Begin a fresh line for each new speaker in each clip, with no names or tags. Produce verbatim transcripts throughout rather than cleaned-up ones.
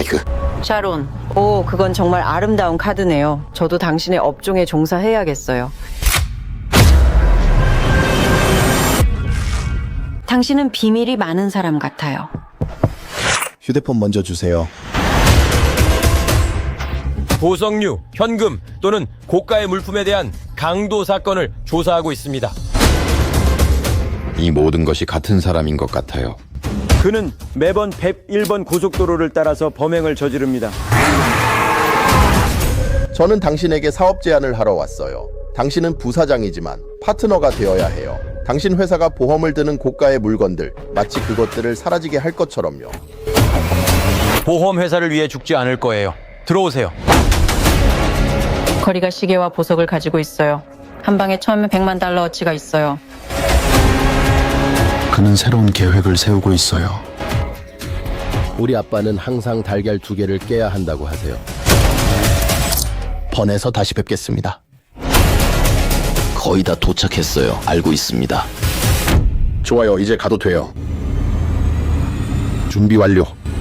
스파이크.
샤론. 오, 그건 정말 아름다운 카드네요. 저도 당신의 업종에 종사해야겠어요. 당신은 비밀이 많은 사람 같아요.
휴대폰 먼저 주세요.
보석류, 현금 또는 고가의 물품에 대한 강도 사건을 조사하고 있습니다.
이 모든 것이 같은 사람인 것 같아요.
그는 매번 백일 번 고속도로를 따라서 범행을 저지릅니다.
저는 당신에게 사업 제안을 하러 왔어요. 당신은 부사장이지만 파트너가 되어야 해요. 당신 회사가 보험을 드는 고가의 물건들, 마치 그것들을 사라지게 할 것처럼요.
보험회사를 위해 죽지 않을 거예요. 들어오세요.
거리가 시계와 보석을 가지고 있어요. 한 방에 처음에 백만 달러어치가 있어요.
그는 새로운 계획을 세우고 있어요.
우리 아빠는 항상 달걀 두 개를 깨야 한다고 하세요. 번에서 다시 뵙겠습니다.
거의 다 도착했어요. 알고 있습니다.
좋아요, 이제 가도 돼요. 준비 완료.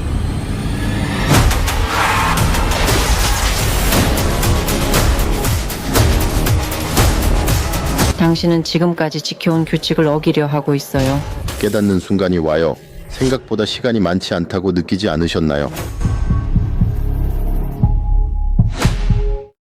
당신은 지금까지 지켜온 규칙을 어기려 하고 있어요.
깨닫는 순간이 와요. 생각보다 시간이 많지 않다고 느끼지 않으셨나요?